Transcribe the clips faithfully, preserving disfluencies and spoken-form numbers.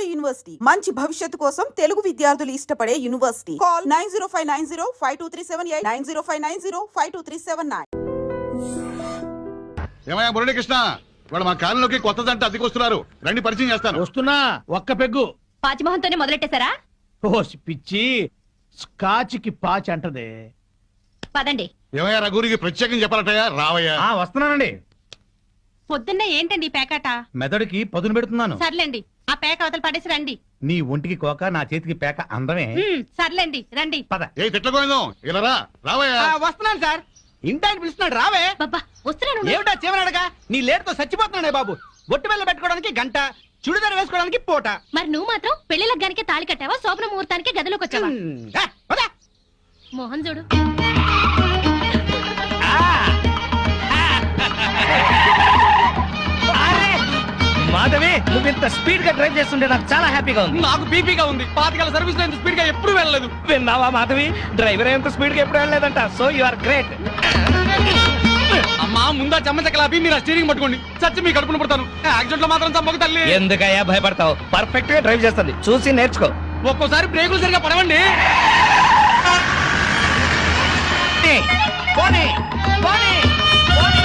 నాడు యూనివర్సిటీ మంచి భవిష్యత్తు కోసం తెలుగు విద్యార్థులు ఇష్టపడే university. Call nine zero five nine zero five two three seven eight nine zero five nine zero five two three seven nine. ఏమయ్యా మురళీకృష్ణ, వాళ్ళు మా కాలంలోకి కొత్త దంట అద్దెకొస్తున్నారు, రండి పరిచయం చేస్తాను. వస్తున్నా, ఒక్క పెగ్గు. పాచిమోహన్తోనే మొదలెట్టేశారా? ఓ పిచ్చి, స్కాచ్కి పాచి అంటదే. పదండి. ఏమయ్యా రఘురికి ప్రత్యేకం చెప్పాలటయ్యా, రావయ్యా. ఆ వస్తున్నానండి. పొద్దున్నే ఏంటండి ఈ పేకాట? మెదడుకి పదును పెడుతున్నాను. సర్లేండి, ఆ పేక అవతల పడేసి రండి. నీ ఒంటికి కోక, నా చేతికి పేక అందమే. హ్మ్, సర్లేండి రండి. పద. ఏ తిట్లకోయిందాం, ఇలా రా, రావయ్యా. వస్తున్నాను సార్. ఇంటాయన పిలుస్తున్నాడు, రావే. బాబా వస్తున్నాను. ఏమిటా చివరడగా? నీ లేటుతో చచ్చిపోతున్నాడే బాబు. బొట్టు బెల్ల పెట్టుకోవడానికి గంట, చుడిదారు వేసుకోవడానికి పూట. మరి నువ్వు మాత్రం పెళ్లి లగ్గానికి తాళి కట్టావా, శోభన ముహూర్తానికి గదిలోకి వచ్చావా? హ్మ్. ఏ, పద. మోహన్ చూడు. మాధవి, నువ్వు ఇంత స్పీడ్ గా డ్రైవ్ చేస్తుంటే నాకు చాలా హ్యాపీగా ఉంది. నాకు బీపీగా ఉంది. పాతికల సర్వీస్ లో ఇంత స్పీడ్ గా ఎప్పుడు వెళ్ళలేదు. విన్నావా మాధవి, డ్రైవర్ ఎంత స్పీడ్ గా ఎప్పుడు వెళ్ళలేదంట. So you are great. అమ్మా ముందా చెమ్మచక్కలాపి మీరు ఆ స్టీరింగ్ పట్టుకోండి. చచ్చి మీ కడుపును పడతాను. యాక్సిడెంట్ లో మాత్రం చంపక తల్లి. ఎందుకయ్యా భయపడతావు? పర్ఫెక్ట్ గా డ్రైవ్ చేస్తుంది, చూసి నేర్చుకో. ఒక్కోసారి బ్రేకులు సరిగా పడవండి. పోనీ, పోనీ, పోనీ.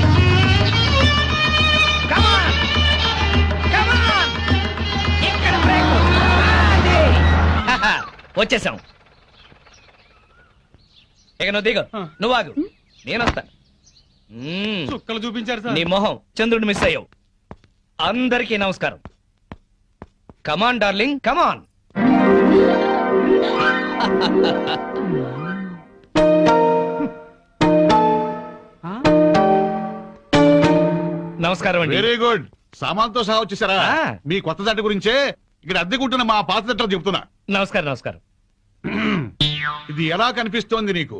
Come on, come on. ఇక్కడ బ్రేకు. అది. హహ, వచ్చేసాం. ఇక నువ్వు దిగు, నువ్వు ఆగు, నేను వస్తా. మ్మ్. చుక్కలు చూపించారు నీ సార్. మొహం చంద్రుడు మిస్ అయ్యావు. అందరికీ నమస్కారం. Come on darling, come on. నమస్కారం అండి. Very good. సామాన్తో సహా వచ్చేసారా? ఆ. మీ కొత్త దంట గురించే ఇక్కడ అద్దెకుంటున్న మా పాత దంటలు చెప్తున్నా. నమస్కారం నమస్కారం. ఇది ఎలా కనిపిస్తోంది నీకు?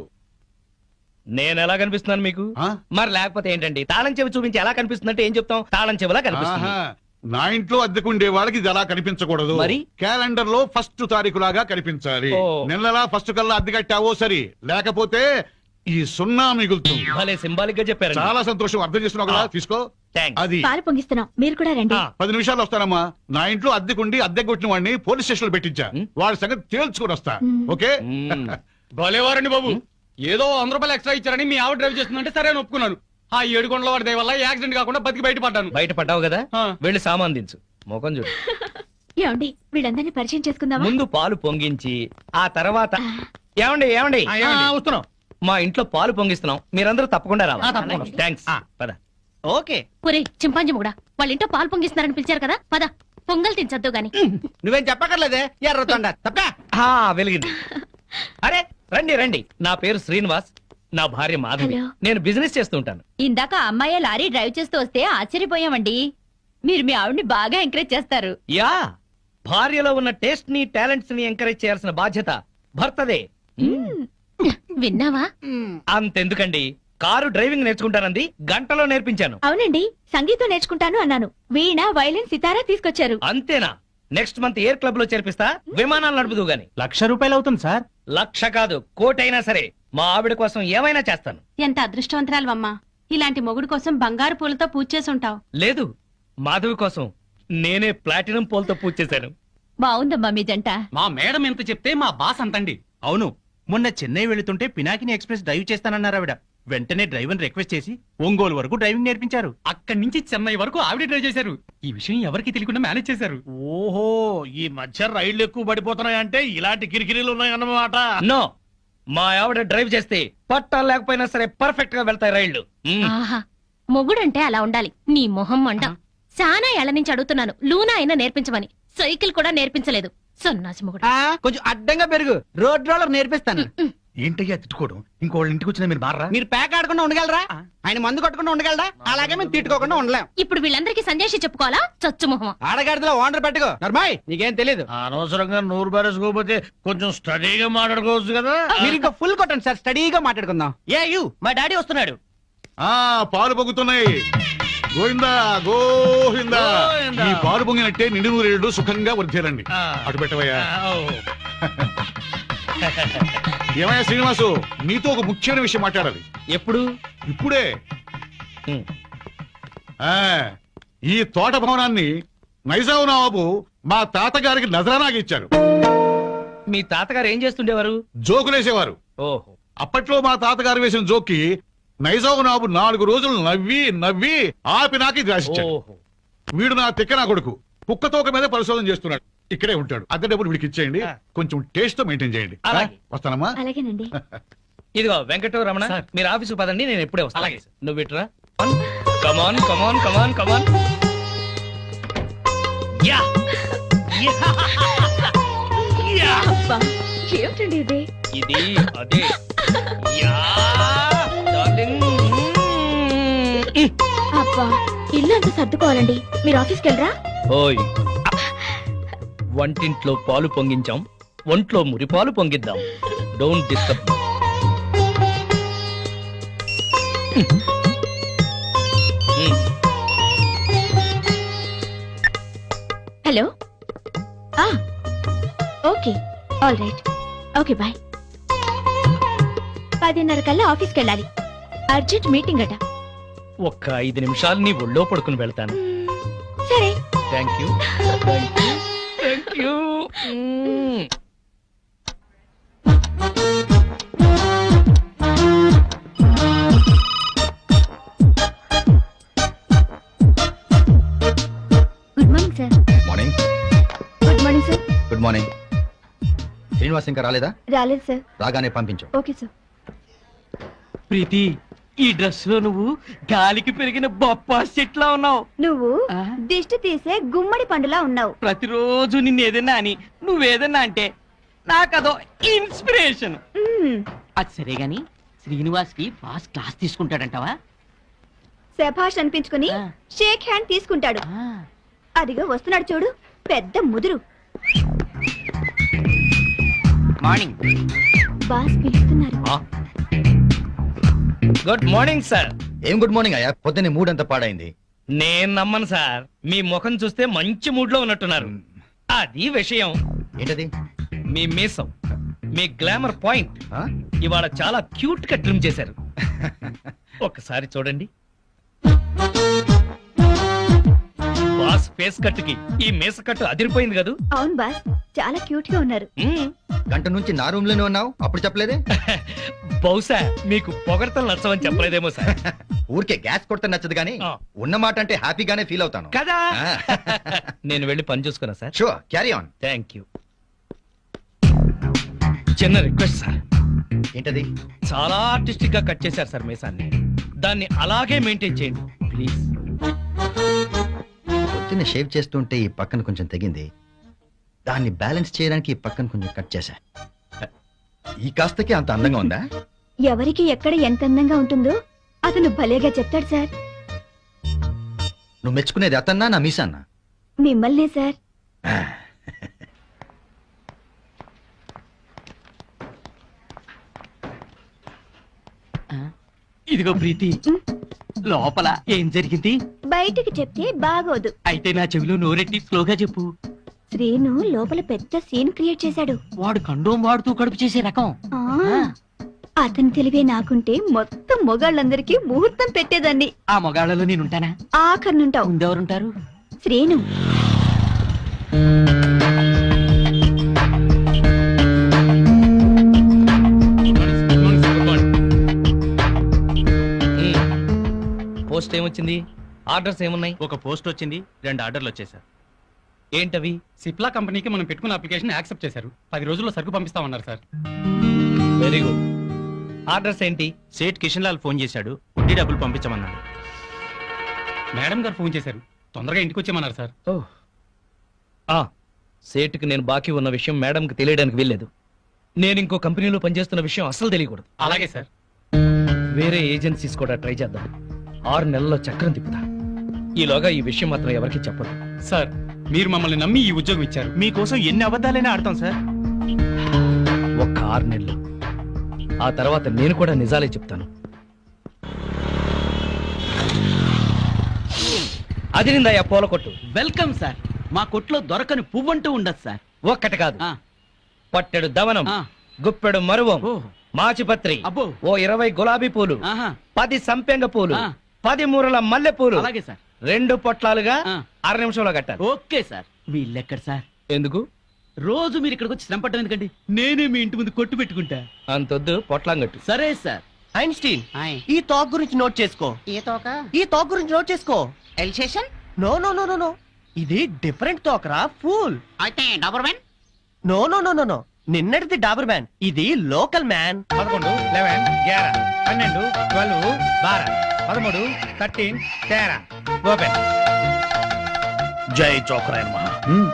నేను ఎలా కనిపిస్తున్నాను మీకు? ఆ? మరి లేకపోతే ఏంటండి, తాళం చెవి చూపించి ఎలా కనిపిస్తుందంటే ఏం చెప్తాం? తాళం చెవిలా కనిపిస్తుంది. ఆహా. నా ఇంట్లో అద్దెకుండే వాళ్ళకి ఇది ఎలా కనిపించకూడదు. మరి? క్యాలెండర్ లో ఫస్ట్ తారీఖు లాగా కనిపించాలి. ఓ. నెలలా ఫస్ట్ కల్లా అద్దె కట్టావో సరి, లేకపోతే ఈ సున్నా మిగులుతుంది. భలే సింబాలిక్ గా చెప్పారు. చాలా సంతోషం, అర్థం చేస్తున్నావు కదా, తీసుకో. థాంక్స్. అది పాలు పొంగిస్తున్నాం, మీరు కూడా రండి. పది నిమిషాలు వస్తానమ్మా. నా ఇంట్లో అద్దెకుండి అద్దె కొట్టిన వాడిని పోలీస్ స్టేషన్ లో పెట్టించా. వాడి సంగతి తేల్చుకుని వస్తా. ఓకే? భలేవారండి బాబు. ఏదో వంద రూపాయలు ఎక్స్ట్రా ఇచ్చారని మీ ఆవిడ డ్రైవ్ చేస్తుందంటే సరే అని ఒప్పుకున్నాను. ఆ ఏడు కొండల వాడి దయ వల్ల యాక్సిడెంట్ కాకుండా బతికి బయటపడ్డాను. బయట పడ్డావు కదా, ఆ. వెళ్ళి సామాన్ దించు. మోకం చూడు. ఏమండి, వీళ్ళందరినీ పరిచయం చేసుకుందామా? ముందు పాలు పొంగించి ఆ తర్వాత ఏమండి ఏమండి ఆ, వస్తున్నాం. మా ఇంట్లో పాలు పొంగిస్తున్నాం, మీరందరూ తప్పకుండా ఆ, రావాలి. తప్పకుండా. థాంక్స్. ఆ. పద. ఓకే. ఒరే చింపాంజీ కూడా వాళ్ళ ఇంట్లో పాలు పొంగిస్తున్నారని పిలిచారు కదా, పద పొంగల్ తినచద్దు గాని. నువ్వేం చెప్పక్కర్లేదే ఎర్రతొండ తప్ప. ఆ, వెలిగింది. అరే రండి రండి, నా పేరు శ్రీనివాస్, నా భార్య మాధవి. హలో. నేను బిజినెస్ చేస్తూ ఉంటాను. ఇందాక అమ్మాయి లారీ డ్రైవ్ చేస్తూ వస్తే ఆశ్చర్యపోయామండి. మీరు మీ ఆవిడ్ని బాగా ఎంకరేజ్ చేస్తారు. యా, భార్యలో ఉన్న టేస్ట్ ని టాలెంట్స్ ని ఎంకరేజ్ చేయాల్సిన బాధ్యత భర్తదే. విన్నావా? అంతెందుకండి, కారు డ్రైవింగ్ నేర్చుకుంటానంది, గంటలో నేర్పించాను. అవునండి, సంగీతం నేర్చుకుంటాను అన్నాను. వీణ, వైలిన్, సితారా తీసుకొచ్చారు. అంతేనా? నెక్స్ట్ మంత్ ఎయిర్ క్లబ్ లో చేర్పిస్తా, విమానాలు నడుపుదు గాని. లక్ష రూపాయలు అవుతుంది సార్. లక్ష కాదు, కోటైనా సరే మా ఆవిడ కోసం ఏమైనా చేస్తాను. ఎంత అదృష్టవంతరాలవమ్మా, ఇలాంటి మొగుడు కోసం బంగారు పూలతో పూజ చేసి ఉంటావు. లేదు, మాధవి కోసం నేనే ప్లాటినం పూలతో పూజ చేశాను. బాగుందమ్మా మీ జంట. మా మేడం ఎంత చెప్తే మా బాస్ అంతండి. అవును, మొన్న చెన్నై వెళుతుంటే పినాకిని ఎక్స్ప్రెస్ డ్రైవ్ చేస్తానన్నారు ఆవిడ. వెంటనే డ్రైవర్ రిక్వెస్ట్ చేసి ఒంగోలు వరకు డ్రైవింగ్ నేర్పించారు. అక్కడి నుంచి చెన్నై వరకు ఆవిడ డ్రైవ్ చేశారు. ఈ విషయం ఎవరికి తెలియకుండా మేనేజ్ చేశారు. ఓహో, ఈ మధ్య రైళ్లు ఎక్కువ పడిపోతున్నాయంటే ఇలాంటి కిరికిరీలు ఉన్నాయన్నమాట. నో, మా ఆవిడ డ్రైవ్ చేస్తే పట్టాలు లేకపోయినా సరే పర్ఫెక్ట్ గా వెళ్తాయి రైళ్లు. మ్మ్. ఆహా, మొగుడంటే అలా ఉండాలి. నీ మొహం మండ. చాలా ఏళ్ల నుంచి అడుగుతున్నాను, లూనా అయినా నేర్పించమని. సైకిల్ కూడా నేర్పించలేదు. సన్నాసి మొగుడు. కొంచెం అడ్డంగా పెరుగు, రోడ్ రోలర్ నేర్పిస్తాను. ఏంటయ్యా తిట్టుకోవడం? ఇంకోళ్ళ ఇంటికి వచ్చినా మీరు మారా? మీరు ప్యాక్ ఆడకుండా ఉండగలరా? ఆయన మందు కొట్టకుండా ఉండగలరా? అలాగే మేము తిట్టుకోకుండా ఉండలేం. ఇప్పుడు వీళ్ళందరికీ సందేశం చెప్పుకోవాలా? చచ్చు మొహం. ఆడగాడిలో ఓనర్ పెట్టుకో. నర్మాయ్, నీకేం తెలీదు. అనవసరంగా నూరు బారేసుకోకపోతే కొంచెం స్టడీగా మాట్లాడుకోవచ్చు కదా. మీరు ఇంకా ఫుల్ కొట్టండి సార్, స్టడీగా మాట్లాడుకుందాం. ఏ యు, మా డాడీ వస్తున్నాడు. ఆ పాలు పొంగుతున్నాయి. గోవిందా గోవిందా. గోవిందా. ఈ పాలు పొంగినట్టే నిండు నూరేళ్లు సుఖంగా వర్ధేలండి. ఆ. అటు పెట్టవయ్యా. ఆ, ఓ. ఏమయ్యా శ్రీనివాసు, నీతో ఒక ముఖ్యమైన విషయం మాట్లాడాలి. ఎప్పుడు? ఇప్పుడే. మ్మ్. ఆ ఈ తోట భవనాన్ని నైజాం నవాబు మా తాతగారికి నజరానాగా ఇచ్చారు. మీ తాతగారు ఏం చేస్తుండేవారు? జోకులేసేవారు. ఓహో. అప్పట్లో మా తాతగారు వేసిన జోక్కి నైజాం నాబు నాలుగు రోజులు నవ్వి నవ్వి ఆపి నాకు ఇది రాసిచ్చాడు. ఓహో. వీడు నా తిక్క నా కొడుకు కుక్క తోక మీద పరిశోధన చేస్తున్నాడు. ఇక్కడే ఉంటాడు. అద్దె డబ్బులు వీడికి ఇచ్చేయండి. కొంచెం టేస్ట్ తో మెయింటైన్ చేయండి. అలాగే. వస్తానమ్మా. అలాగేనండి. ఇదిగో వెంకట రమణ, సార్. మీరు ఆఫీసు పదండి, నేను ఎప్పుడే వస్తాను. అలాగే సార్. నువ్వు ఇట్రా. Come on come on come on come on. Yeah yeah. ఏమిటండి ఇది? ఇది అదే. Yeah darling. అబ్బా, ఇల్లు అంతా సర్దుకోవాలండి. మీరు ఆఫీస్కి వెళ్ళరా? ఓయ్, వంటింట్లో పాలు పొంగించాం, ఒంట్లో మురిపాలు పొంగిద్దాం. Don't disturb. హలో. ఆ, okay, all right, okay, bye. పదిన్నర కల్లా ఆఫీస్కి వెళ్ళాలి. అర్జెంట్ మీటింగ్ అట. ఒక్క ఐదు నిమిషాలు నీ ఒళ్ళో పడుకుని వెళ్తాను. సరే. Thank you thank you thank you. Good morning sir. Morning. Good morning sir. Good morning. Srinivas ఇంకా రాలేదా? రాలేదు సార్. రాగానే పంపించు. Okay sir. ప్రీతి, ఈ డ్రెస్ లో నువ్వు గాలికి పెరిగిన బొప్పాస్ చెట్లా ఉన్నావు. నువ్వు దిష్టి తీసే గుమ్మడి పండులా ఉన్నావు. ప్రతిరోజు నిన్ను ఏదైనా అని నువ్వేదన్నా అంటే నాకదో ఇన్స్పిరేషన్. మ్మ్. అది సరే గాని శ్రీనివాస్ కి బాస్ క్లాస్ తీసుకుంటాడంటావా? శభాష్ అనిపించుకుని ఆ. షేక్ హ్యాండ్ తీసుకుంటాడు. ఆ, అదిగో వస్తున్నాడు చూడు, పెద్ద ముదురు. మార్నింగ్. బాస్ పిలుస్తున్నారు. Good morning sir. ఏం గుడ్ మార్నింగ్ అయ్యా, పొద్దున్నే మూడ్ అంతా పాడైంది. నేను నమ్మను సార్, మీ ముఖం చూస్తే మంచి మూడ్ లో ఉన్నట్టున్నారు. అది విషయం. ఏంటది? మీ మీసం, మీ గ్లామర్ పాయింట్ ఆ? ఇవాళ చాలా క్యూట్ గా ట్రిమ్ చేశారు. ఒక్కసారి చూడండి. బాస్ ఫేస్ కట్ కి ఈ మీస కట్టు అదిరిపోయింది కదూ. అవును బాస్, చాలా క్యూట్ గా ఉన్నారు. మ్మ్. గంట నుంచి నా రూమ్ లోనే ఉన్నావు, అప్పుడు చెప్పలేదే? బహుశా మీకు పొగడతలు నచ్చవని చెప్పలేదేమో సార్. ఊరికే గ్యాస్ కొడితే నచ్చదు కానీ ఆ. ఉన్న మాట అంటే హ్యాపీగానే ఫీల్ అవుతాను. కదా. నేను వెళ్ళి పని చూసుకున్నా sir. Sure, carry on. Thank you. చిన్న రిక్వెస్ట్ సార్. ఏంటది? చాలా ఆర్టిస్టిక్ గా కట్ చేశారు సార్ మీసాన్ని. దాన్ని అలాగే మెయింటైన్ చేయండి ప్లీజ్. పొద్దున్న షేవ్ చేస్తుంటే ఈ పక్కన కొంచెం తెగింది, దాన్ని బ్యాలెన్స్ చేయడానికి ఈ పక్కన కొంచెం కట్ చేశా. ఈ కాస్తకి అంత అందంగా ఉందా? ఎవరికి ఎక్కడ ఎంత అందంగా ఉంటుందో అతను భలేగా చెప్తాడు సార్. నువ్వు మెచ్చుకునేది అతన్నా నా మీసాన్నా? మిమ్మల్నే సార్. ఇదిగో ప్రీతి, లోపల ఏం జరిగింది? బయటికి చెప్తే బాగోదు. అయితే నా చెవిలో నోరెట్టి స్లోగా చెప్పు. శ్రీను లోపల పెద్ద సీన్ క్రియేట్ చేశాడు. వాడు కండోం వాడుతూ కడుపు చేసే రకం. ఆ, అతని తెలివే నాకుంటే మొత్తం మొగాళ్ళందరికీ ముహూర్తం పెట్టేదాన్ని. ఆ మొగాళ్ళలో నేనుంటానా? ఆఖరినుంటావు. ముందెవరుంటారు? శ్రీను. పోస్ట్ ఏమొచ్చింది? ఆర్డర్స్ ఏమున్నాయి? ఒక పోస్ట్ వచ్చింది, రెండు ఆర్డర్లు వచ్చేసారు. ఏంటవి? సిప్లా కంపెనీకి మనం పెట్టుకున్న అప్లికేషన్ యాక్సెప్ట్ చేశారు. పది రోజుల్లో సరుకు పంపిస్తామన్నారు సార్. Very good. ఆర్డర్స్ ఏంటి? సేట్ కిషన్ లాల్ ఫోన్ చేశాడు, వడ్డీ డబ్బులు పంపించమన్నాడు. మేడం గారు ఫోన్ చేశారు, తొందరగా ఇంటికి వచ్చేయమన్నారు సార్. ఓహ్. ఆ, సేటుకి నేను బాకీ ఉన్న విషయం మేడంకి తెలియడానికి వీల్లేదు. నేను ఇంకో కంపెనీలో పనిచేస్తున్న విషయం అస్సలు తెలియకూడదు. అలాగే సార్. వేరే ఏజెన్సీస్ కూడా ట్రై చేద్దాం. ఆరు నెలల్లో చక్రం తిప్పుతా. ఈలోగా ఈ విషయం మాత్రం ఎవరికి చెప్పదు. సార్, మీరు మమ్మల్ని నమ్మి ఈ ఉద్యోగం ఇచ్చారు. మీకోసం ఎన్ని అబద్ధాలైనా ఆడతాం సార్. ఒక్క ఆరు నెలలు, ఆ తర్వాత నేను కూడా నిజాలే చెప్తాను. అది నిందయ్యా పూల కొట్టు. Welcome sir. మా కొట్లో దొరకని పువ్వంటూ ఉండదు సార్. ఒక్కటి కాదు, ఆ, పట్టెడు దవనం, ఆ. గుప్పెడు మరువం, ఓ, మాచిపత్రి, అబ్బో. ఓ ఇరవై గులాబీ పూలు, ఆహా, పది సంపెంగ పూలు, ఆ. పది మూరల మల్లె పూలు, అలాగే సార్. రెండు పొట్లాలుగా ఆ. అర నిమిషంలో కట్టాలి. Okay sir. వీళ్ళెక్కడ సార్? ఎందుకు? రోజు మీరు ఇక్కడికి వచ్చి శ్రమ పట్టడం ఎందుకండి? నేనే మీ ఇంటి ముందు కొట్టు పెట్టుకుంటా. అంతొద్దు, పొట్లాంగట్టు. సరే సార్. ఐన్స్టీన్, ఆయ్. ఈ టాక్ గురించి నోట్ చేసుకో. ఏ తోక? ఈ టాక్ గురించి నోట్ చేసుకో. Alsatian? No no no no no ఇది డిఫరెంట్ టాక్ రా, ఫూల్. అయితే doberman? No no no no no నిన్నటిది డాబర్ మ్యాన్, ఇది లోకల్ మ్యాన్. పదకొండు లెవెన్ గ్యారా పన్నెండు ట్వెల్వ్ బారా పదమూడు థర్టీన్ తేరా ఓపెన్. జై చోకరాయన మహా.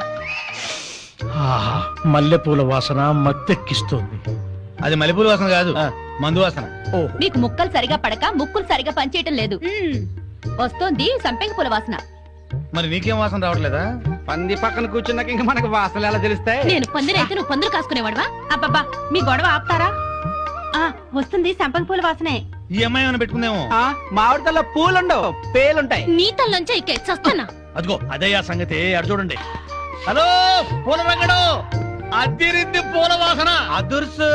మల్లెపూల వాసన మత్తెక్కిస్తోంది. అది మల్లెపూల వాసన కాదు, మందు వాసన. మీకు ముక్కలు సరిగా పడక ముక్కులు సరిగా పనిచేయటం లేదు. వస్తోంది సంపెంగ పూల వాసన. మరి నీకేం వాసన రావట్లేదా? పంది పక్కన కూర్చున్నాక ఇంకా మనకు వాసనలు ఎలా తెలుస్తాయి? నేను పందిరైతే నువ్వు పందులు కాసుకునేవాడవా? అబ్బబ్బా మీ గొడవ ఆపుతారా? ఆ వస్తుంది సంపంగి పూల వాసనే. ఈ అమ్మాయి ఏమైనా పెట్టుకుందేమో. మామిడితల్లో పూలుండవు, పేలుంటాయి. నీ తల్లంచే ఇక్కే చస్తానా? అదిగో అదే ఆ సంగతి. అడు చూడండి. హలో పూల రంగడు, అద్దిరింది పూల వాసన. అదుర్సు.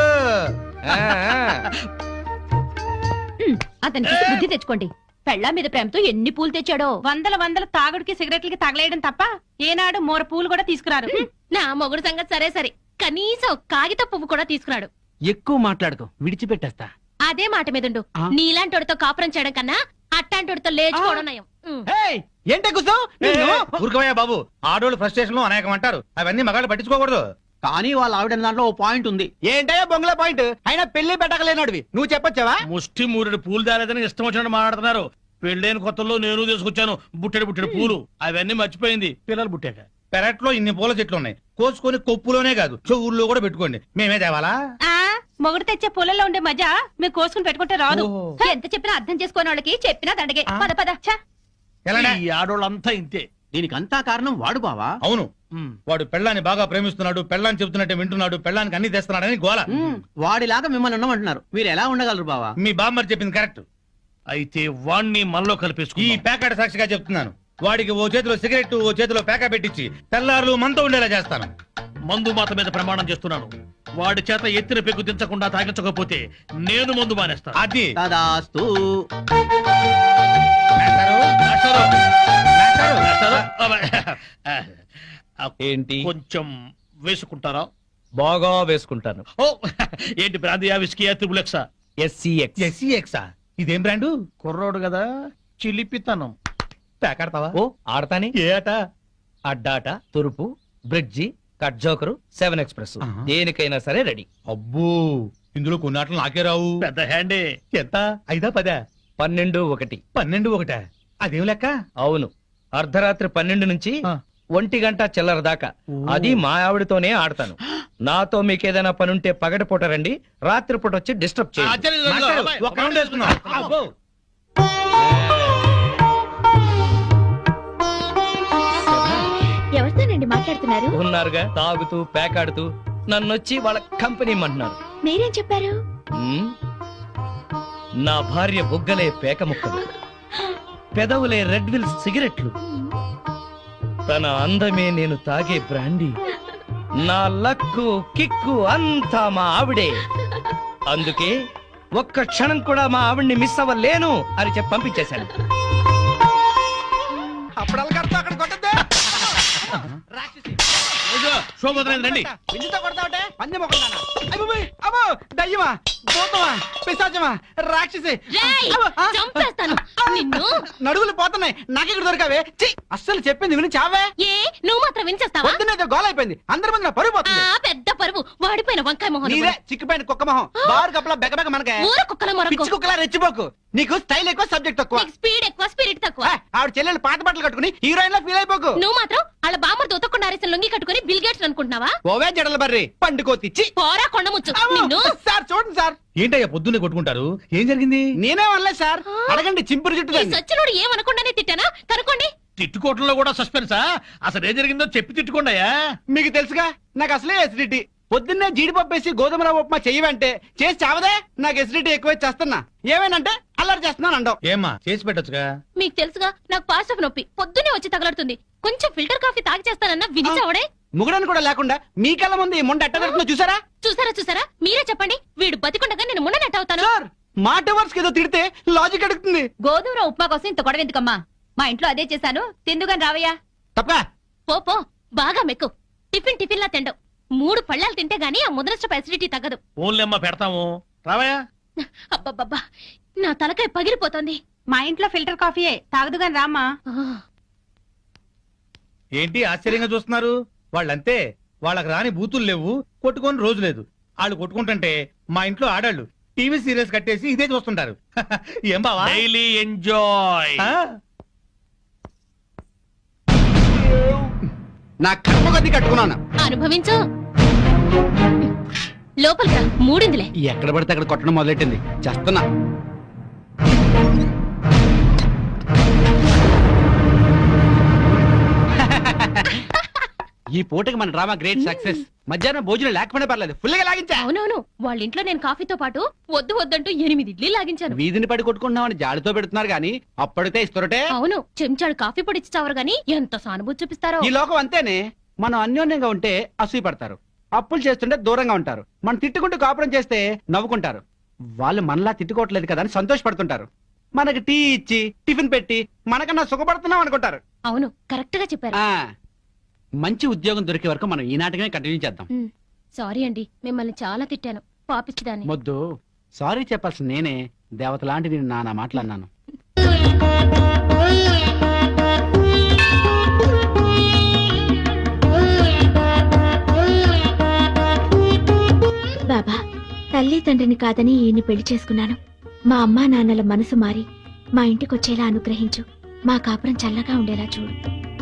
అతనికి బుద్ధి తెచ్చుకోండి. పెళ్ళా మీద ప్రేమతో ఎన్ని పూలు తెచ్చాడో. వందల వందల తాగుడికి సిగరెట్లకి తగలేయడం తప్ప ఏనాడు మోర పూలు కూడా తీసుకురారు. నా మొగుడు సంగతి సరే సరే, కనీసం కాగిత పువ్వు కూడా తీసుకురాడు. ఎక్కువ మాట్లాడుకో, విడిచిపెట్టేస్తా. అదే మాట మీదుండు. ఆ? నీలాంటోడితో కాపురం చేయడం కన్నా అట్టాంటోడితో లేచుకోవడం నయం. ఉమ్. ఏంటే కూర్చో? ఊరుకోవయ్యా బాబు, ఆడోళ్ళు ఫ్రస్ట్రేషన్ లో అనేకం అంటారు, అవన్నీ మగాళ్ళు పట్టించుకోకూడదు. కానీ వాళ్ళ ఆవిడ దాంట్లో ఓ పాయింట్ ఉంది. ఏంటయ్యా బొంగుల పాయింట్? అయినా పెళ్లి పెట్టకలేనోడివి నువ్వు చెప్పొచ్చావా? ముష్టి మూరెడు పూలు దాలేదని ఇష్టం వచ్చినట్టు మాట్లాడుతున్నారు. పెళ్ళైన కొత్తలో నేను తీసుకొచ్చాను బుట్టెడు బుట్టెడు పూలు, అవన్నీ మర్చిపోయింది పిల్లలు పుట్టాక. పెరట్లో ఇన్ని పూల చెట్లు ఉన్నాయి, కోసుకొని కొప్పులోనే కాదు చెవుల్లో కూడా పెట్టుకోండి. మేమే తేవాలా? ఆ మొగుడు తెచ్చే పూలలో ఉండే మజా మీరు కోసుకుని పెట్టుకుంటే రాదు. ఎంత చెప్పినా అర్థం చేసుకోని వాళ్ళకి చెప్పినా దండగే. పద పద. ఛ! ఎలానే? ఈ ఆడోళ్ళంతా ఇంతే. దీనికి అంతా కారణం వాడు బావా. అవును, వాడు పెళ్ళాన్ని బాగా ప్రేమిస్తున్నాడు, పెళ్ళాన్ని చెబుతున్నట్టే వింటున్నాడు, పెళ్ళానికి అన్ని తెస్తున్నాడని గోల. ఉమ్, వాడిలాగా మిమ్మల్ని ఉండమంటున్నారు. మీరు ఎలా ఉండగలరు బావా? మీ బామ్మర్ చెప్పింది కరెక్ట్. అయితే వాణ్ణి మనలో కలిపేసుకు. ఈ ప్యాకెట్ సాక్షిగా చెప్తున్నాను, వాడికి ఓ చేతిలో సిగరెట్ ఓ చేతిలో ప్యాకా పెట్టించి తెల్లారులు మనతో ఉండేలా చేస్తాను. మందు మాత మీద ప్రమాణం చేస్తున్నాను, వాడి చేత ఎత్తిన పెగ్గు దించకుండా తాగించకపోతే నేను మందు మానేస్తాను. అది తదాస్తు. మాస్టారు, మాస్టారు, మాస్టారు, మాస్టారు. ఏంటి? కొంచెం వేసుకుంటారా? బాగా వేసుకుంటాను. ఓ ఏంటి బ్రాందియా విస్కీయా త్రిబులెక్సా? ఎస్సీఎక్స్. ఎస్సీఎక్సా? ఇదేం బ్రాండు? కుర్రోడు కదా, చిలిపితనం. ప్యాకెడతావా? ఓ ఆడతాని. ఏ ఆట? అడ్డాట, తురుపు, bridge, cut joker, seven express, ఆహా. దేనికైనా సరే రెడీ. అబ్బో, ఇందులో కొన్ని ఆటలు నాకే రావు. పెద్ద హ్యాండే. ఎంత? ఐదా పదా? పన్నెండు ఒకటి. పన్నెండు ఒకట? అదేం లెక్క? అవును, అర్ధరాత్రి పన్నెండు నుంచి ఆ. ఒంటి గంట చిల్లర దాకా. ఓ. అది మా ఆవిడతోనే ఆడతాను. నాతో మీకేదైనా పనుంటే పగటిపూట రండి, రాత్రిపూట వచ్చి డిస్టర్బ్ చేయండి. మాస్టారు, ఒక రౌండ్ వేసుకుందాం. అబ్బో. ఎవరితోనండి మాట్లాడుతున్నారు? ఉన్నారుగా, తాగుతూ పేకాడుతూ నన్నొచ్చి వాళ్ళ కంపెనీ అంటున్నారు. మీరేం చెప్పారు? ఉమ్, నా భార్య బుగ్గలే పేక ముక్కలు, పెదవులే రెడ్ విల్ సిగరెట్లు, తన అందమే నేను తాగే బ్రాండీ, నా లక్కు కిక్కు అంతా మా ఆవిడే. అందుకే ఒక్క క్షణం కూడా మా ఆవిడ్ని మిస్ అవ్వలేను అని చెప్పి పంపించేశాను. అప్పుడు అక్కడ కొట్టద్దే. శోభోదయం రండి. విందుతో కొడతావటే పందెం మొక్కలుదానా? అయ్యబాబోయ్, అబ్బో దయ్యమా, భూతమా, పిశాచమా, రాక్షసి. రేయ్, అబ్బో, ఆ, చంపేస్తాను నిన్ను. నడువులు పోతున్నాయి, నాకెక్కడ దొరికావే? ఛీ, అస్సలు చెప్పింది విని చావే. ఏ నువ్వు మాత్రం వినిచేస్తావా? పొద్దున్నేదో గోల అయిపోయింది, అందరి ముందు నా పరుగు ఆ పోతుంది. పెద్ద పరువు వాడిపోయిన వంకాయ మొహం నీదే చిక్కిపోయిన కుక్క మొహం, బారు కప్పలా బెగబెగ మనకే. ఊర కుక్కల మొరకు. పిచ్చి కుక్కలా రెచ్చిపోకు, నీకు స్టైల్ ఎక్కువ సబ్జెక్ట్ తక్కువ. నీకు స్పీడ్ ఎక్కువ స్పిరిట్ తక్కువ. ఆ, ఆవిడ చెల్లెలు పాత బట్టలు కట్టుకుని హీరోయిన్ లా ఫీల్ అయిపోకు. నువ్వు మాత్రం వాళ్ళ బామ్మర్ దొతకుండా అరేసిన లొంగి కట్టుకుని బిల్ గేట్స్ అనుకుంటున్నావా? ఓవే జడల బర్రి పండుకోతిచ్చి. పోరా కొండముచ్చు నిన్ను. సార్ చూడండి సార్, ఏంటయ్యా పొద్దున్నే కొట్టుకుంటారు? ఏం జరిగింది? నేనే అనలేదు సార్, అడగండి చింపురు చుట్టూ ఈ దాన్ని. సచ్చినోడు ఏమనకుండానే తిట్టానా? కనుకోండి. తిట్టుకోవటంలో కూడా సస్పెన్సా? అసలు ఏం జరిగిందో చెప్పి తిట్టుకోండియా. మీకు తెలుసుగా నాకు అసలే ఎసిడిటీ. పొద్దున్నే జీడిపప్పు వేసి గోధుమ రవ్వ ఉప్మా చెయ్యవంటే చేసి చావదే. నాకు ఎసిడిటీ ఎక్కువ చేస్తున్నా, ఏమేనంటే అల్లరి చేస్తున్నాను అంటావు. ఏమ్మా చేసి పెట్టొచ్చుగా. మీకు తెలుసుగా నాకు పాస్ ఆఫ్ నొప్పి పొద్దున్నే వచ్చి తగలడుతుంది. కొంచెం ఫిల్టర్ కాఫీ తాగి చేస్తానన్నా వినిచావడే. ముగడని కూడా లేకుండా మీ కళ్ళ ముందు ఈ ముండ ఎట్ట పెడుతుందో చూసారా? చూసారా చూసారా మీరే చెప్పండి. వీడు బతికుండగా నేను మున్ననట్టు అవుతాను. సార్ మాట వర్స్ ఏదో తిడితే లాజిక్ అడుగుతుంది. గోధుమ ఉప్మా కోసం ఇంత గొడవ ఎందుకమ్మా? మా ఇంట్లో అదే చేశాను, తిందుగాని రావయ్యా. తప్ప పో పో బాగా మెక్కు. టిఫిన్ టిఫిన్ లా తిండవు. మూడు పళ్ళాలు తింటే గానీ ఆ ముద్రస్ట ఎసిడిటీ తగ్గదు. ఓన్లమ్మ పెడతాము రావయ్యా. అబ్బబ్బబ్బా, నా తలకాయ పగిలిపోతుంది. మా ఇంట్లో ఫిల్టర్ కాఫీయే తాగదు గాని రామ్మా. ఏంటి ఆశ్చర్యంగా చూస్తున్నారు? వాళ్ళంతే, వాళ్ళకి రాని బూతులు లేవు, కొట్టుకొని రోజు లేదు. వాళ్ళు కొట్టుకుంటుంటే మా ఇంట్లో ఆడాళ్ళు టీవీ సీరియల్స్ కట్టేసి ఇదే చూస్తుంటారు. ఏం బావా? Daily enjoy. ఆ? నా కర్మ కొద్ది కట్టుకున్నాను. అనుభవించు. లోపలికి రా, మూడిందిలే. ఎక్కడ పడితే అక్కడ కొట్టడం మొదలెట్టింది. చేస్తున్నా. ఈ పూటకి మన డ్రామా గ్రేట్ సక్సెస్. మధ్యాహ్నం భోజనం లేకపోయినా పర్లేదు, ఫుల్ గా లాగించా. అవునవును, వాళ్ళ ఇంట్లో నేను కాఫీతో పాటు వద్దు వద్దంటూ ఎనిమిది ఇడ్లీ లాగించాను. వీధిని పడి కొట్టుకుంటున్నామని జాలితో పెడుతున్నారు గానీ అప్పటితే ఇస్తారటే. అవును, చెంచాడు కాఫీ పొడి ఇచ్చావరు గాని ఎంత సానుభూతి చూపిస్తారో. ఈ లోకం అంతేనే. మనం అన్యోన్యంగా ఉంటే అసూయ పడతారు, అప్పులు చేస్తుంటే దూరంగా ఉంటారు, మనం తిట్టుకుంటూ కాపురం చేస్తే నవ్వుకుంటారు. వాళ్ళు మనలా తిట్టుకోవట్లేదు కదా అని సంతోషపడుతుంటారు. మనకి టీ ఇచ్చి టిఫిన్ పెట్టి మనకన్నా సుఖపడుతున్నాం అనుకుంటారు. అవును, కరెక్ట్ గా చెప్పారు. ఆ మంచి ఉద్యోగం దొరికే వరకు మనం ఈ నాటకమే కంటిన్యూ చేద్దాం. ఉమ్, సారీ అండి, మిమ్మల్ని చాలా తిట్టాను. పాపిచ్చిదాన్ని. మొద్దు సారీ చెప్పాల్సిన నేనే. దేవత లాంటి నేను నానా మాట్లాడినాను. బాబా, తల్లి తండ్రిని కాదని ఈయన్ని పెళ్లి చేసుకున్నాను. మా అమ్మా నాన్నల మనసు మారి మా ఇంటికొచ్చేలా అనుగ్రహించు. మా కాపురం చల్లగా ఉండేలా చూడు.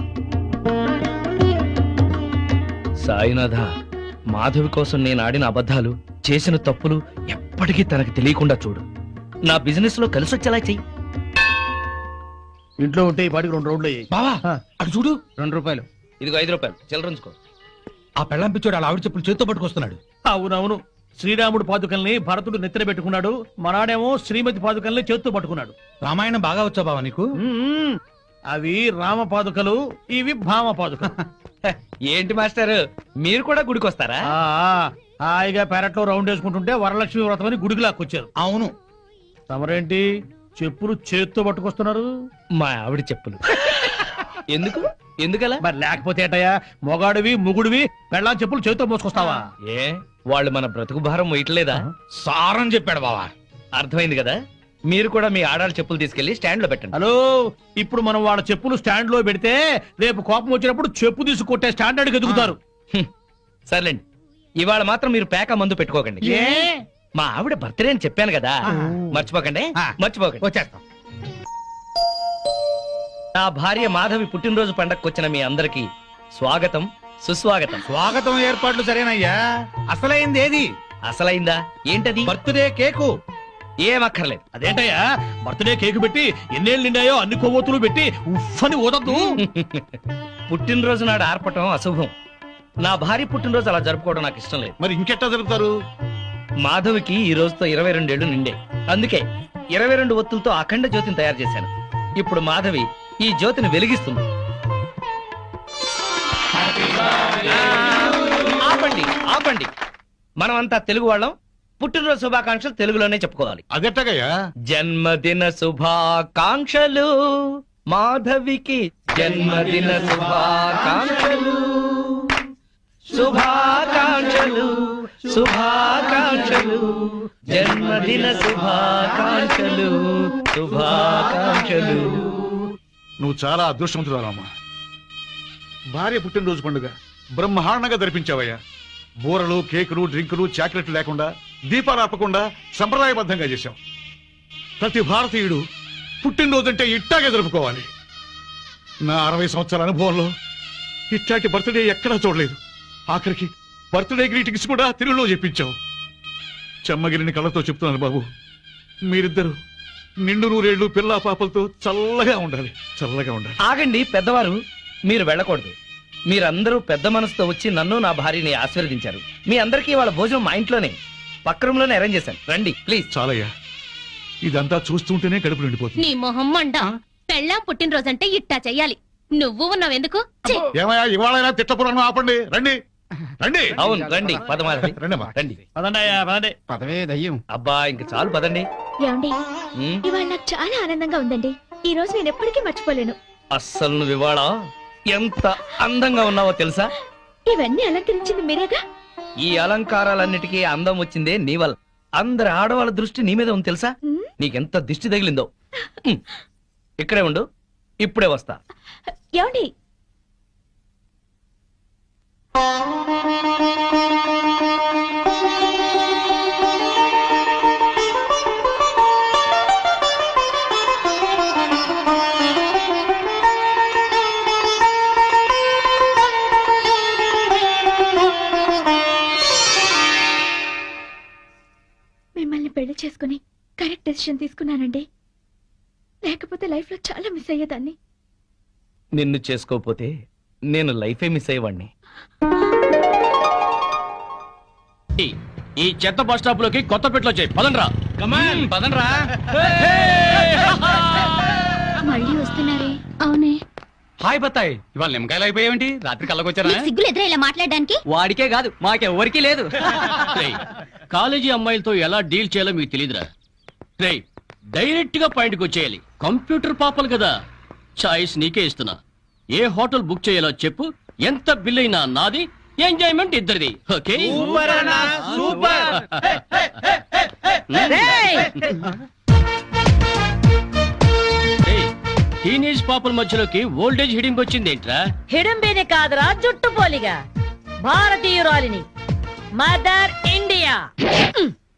సాయినాథ, మాధవి కోసం నేను ఆడిన అబద్ధాలు, చేసిన తప్పులు ఎప్పటికీ తనకి తెలియకుండా చూడు. నా బిజినెస్ లో కలిసొచ్చేలా చెయ్యి. ఇంట్లో ఉంటే ఈ పాటికి రెండు రోడ్లు అయ్యాయి. బావా ఆ. అటు చూడు. రెండు రూపాయలు. ఇదిగో ఐదు రూపాయలు చిల్లరంచుకో. ఆ పెళ్ళం పిచ్చోడు అలా ఆవిడ చెప్పులు చేత్తో పట్టుకొస్తున్నాడు. అవునవును, శ్రీరాముడు పాదుకల్ని భరతుడు నెత్తిన పెట్టుకున్నాడు, మనాడేమో శ్రీమతి పాదుకల్ని చేత్తో పట్టుకున్నాడు. రామాయణం బాగా వచ్చా బావా నీకు? అవి రామ పాదుకలు, ఇవి భామ పాదుకలు. ఏంటి మాస్టర్, మీరు కూడా గుడికి వస్తారా? ఆ, హాయిగా పెరట్లో రౌండ్ వేసుకుంటుంటే వరలక్ష్మి వ్రతం అని గుడికి లాక్కొచ్చారు. అవును, తమరేంటి చెప్పులు చేత్తో పట్టుకొస్తున్నారు? మా ఆవిడ చెప్పులు. ఎందుకు ఎందుకలా? మరి లేకపోతే ఏటయ్యా, మొగాడివి ముగుడివి పెళ్ళాం చెప్పులు చేత్తో మోసుకొస్తావా? ఏ వాళ్ళు మన బ్రతుకు భారం వేయట్లేదా? సారం చెప్పాడు బావా. అర్థమైంది కదా. మీరు కూడా మీ ఆడాళ్ళ చెప్పులు తీసుకెళ్లి స్టాండ్ లో పెట్టండి. హలో, ఇప్పుడు మనం వాళ్ళ చెప్పులు స్టాండ్ లో పెడితే రేపు కోపం వచ్చినప్పుడు చెప్పు తీసి కొట్టే స్టాండర్డ్ ఎదుగుతారు. హ్మ్. సర్లేండి, ఇవాళ మాత్రం మీరు పేక మందు పెట్టుకోకండి. ఏ మా ఆవిడ బర్త్డే అని చెప్పాను కదా, మర్చిపోకండి ఆ. మర్చిపోకండి. వచ్చేస్తాం. నా భార్య మాధవి పుట్టినరోజు పండగకు వచ్చిన మీ అందరికి స్వాగతం సుస్వాగతం. స్వాగతం ఏర్పాట్లు సరేనయ్యా, అసలైంది ఏది? అసలైందా ఏంటది? Birthday cake. ఏమక్కర్లేదు. అదేంటయ్యా, బర్త్డే కేకు పెట్టి ఎన్నేళ్ళు నిండాయో అన్ని కొవ్వొత్తులు పెట్టి ఉఫ్ఫని ఊదద్దు. పుట్టినరోజు నాడు ఆర్పటం అశుభం. నా భార్య పుట్టినరోజు అలా జరుపుకోవడం నాకు ఇష్టం లేదు. మరి ఇంకెట్టా జరుపుతారు? మాధవికి ఈ రోజుతో ఇరవై రెండేళ్లు నిండే, అందుకే ఇరవై రెండు ఒత్తులతో అఖండ జ్యోతిని తయారు చేశాను. ఇప్పుడు మాధవి ఈ జ్యోతిని వెలిగిస్తుంది. ఆపండి ఆపండి, మనమంతా తెలుగు వాళ్ళం, పుట్టినరోజు శుభాకాంక్షలు తెలుగులోనే చెప్పుకోవాలి. అదెట్టగయ్యా? జన్మదిన శుభాకాంక్షలు మాధవికి, జన్మదిన శుభాకాంక్షలు శుభాకాంక్షలు శుభాకాంక్షలు జన్మదిన శుభాకాంక్షలు శుభాకాంక్షలు. నువ్వు చాలా అదృష్టవంతురాలమ్మా. భార్య పుట్టినరోజు పండుగ బ్రహ్మాండంగా జరిపించావయ్యా. బూరలు, కేకులు, డ్రింకులు, చాక్లెట్లు లేకుండా, దీపాలు ఆపకుండా సంప్రదాయబద్ధంగా చేశాం. ప్రతి భారతీయుడు పుట్టినరోజు అంటే ఇట్టాగే జరుపుకోవాలి. నా అరవై సంవత్సరాల అనుభవంలో ఇట్లాంటి బర్త్డే ఎక్కడా చూడలేదు. ఆఖరికి బర్త్డే గ్రీటింగ్స్ కూడా తెలుగులో చెప్పించావు. చెమ్మగిరిని కళ్ళతో చెప్తున్నాను బాబు, మీరిద్దరు నిండు నూరేళ్లు పిల్లా పాపలతో చల్లగా ఉండాలి, చల్లగా ఉండాలి. ఆగండి పెద్దవారు, మీరు వెళ్ళకూడదు. మీరందరూ పెద్ద మనసుతో వచ్చి నన్ను నా భార్యని ఆశీర్వదించారు. మీ అందరికీ వాళ్ళ భోజనం మా ఇంట్లోనే పక్క రూమ్ లోనే అరేంజ్ చేశాను. రండి ప్లీజ్. చాలయ్యా, ఇదంతా చూస్తుంటేనే కడుపు నిండిపోతుంది. నీ మొహం మండ. పెళ్ళాం పుట్టినరోజంటే ఇట్టా చెయ్యాలి. నువ్వు ఉన్నావెందుకు? ఛీ! ఏమయ్యా, ఇవాళైనా తిట్టపురాణం ఆపండి. రండి రండి. అవును రండి, పదమాధవి రండమ్మా. రండి. పదండయ్యా, పదండి. పదవే దయ్యం. అబ్బా ఇంక చాలు పదండి. ఏమండి, ఉమ్, ఇవాళ నాకు చాలా ఆనందంగా ఉందండి. ఈ రోజు నేను ఎప్పటికీ మర్చిపోలేను. అస్సలు నువ్వు ఇవాళ ఎంత అందంగా ఉన్నావో తెలుసా? ఇవన్నీ అలంకరించింది మీరేగా. ఈ అలంకారాలన్నిటికీ అందం వచ్చిందే నీ వల్ల. అందరి ఆడవాళ్ళ దృష్టి నీ మీద ఉంది తెలుసా? ఉమ్, నీకెంత దిష్టి తగిలిందో. ఉమ్. ఇక్కడే ఉండు, ఇప్పుడే వస్తా. ఏమండి? మిమ్మల్ని పెళ్లి చేసుకుని కరెక్ట్ డెసిషన్ తీసుకున్నానండి. లేకపోతే లైఫ్ లో చాలా మిస్ అయ్యేదాన్ని. నిన్ను చేసుకోపోతే నేను లైఫే మిస్ అయ్యేవాడిని. ఈ చెత్త బస్ స్టాప్ లోకి కొత్త పెట్లో వచ్చాయి. పదండ్రా, కమాన్ పదండ్రా. మళ్ళీ వస్తున్నారే? అవునే. హాయ్ బత్తాయి, ఇవాళ నిమ్మకాయలు అయిపోయావేంటి? రాత్రి కళ్ళకొచ్చారా? సిగ్గులు ఎదురా ఇలా మాట్లాడడానికి? వాడికే కాదు మాకెవ్వరికీ లేదు. కాలేజీ అమ్మాయిలతో ఎలా డీల్ చేయాలో మీకు తెలియదురా. రే, డైరెక్ట్ గా పాయింట్కి వచ్చేయాలి. కంప్యూటర్ పాపలు కదా, చాయిస్ నీకే ఇస్తున్నా. ఏ హోటల్ బుక్ చేయాలో చెప్పు, ఎంత బిల్ అయినా నాది, ఎంజాయ్మెంట్ ఇద్దరిది. ఓకే? టీనేజ్ పాపల మధ్యలోకి ఓల్డేజ్ హిడింగ్ వచ్చింది ఏంట్రా? హిడంబేనే కాదురా, జుట్టు పోలిగా భారతీయురాలిని, మదర్ ఇండియా.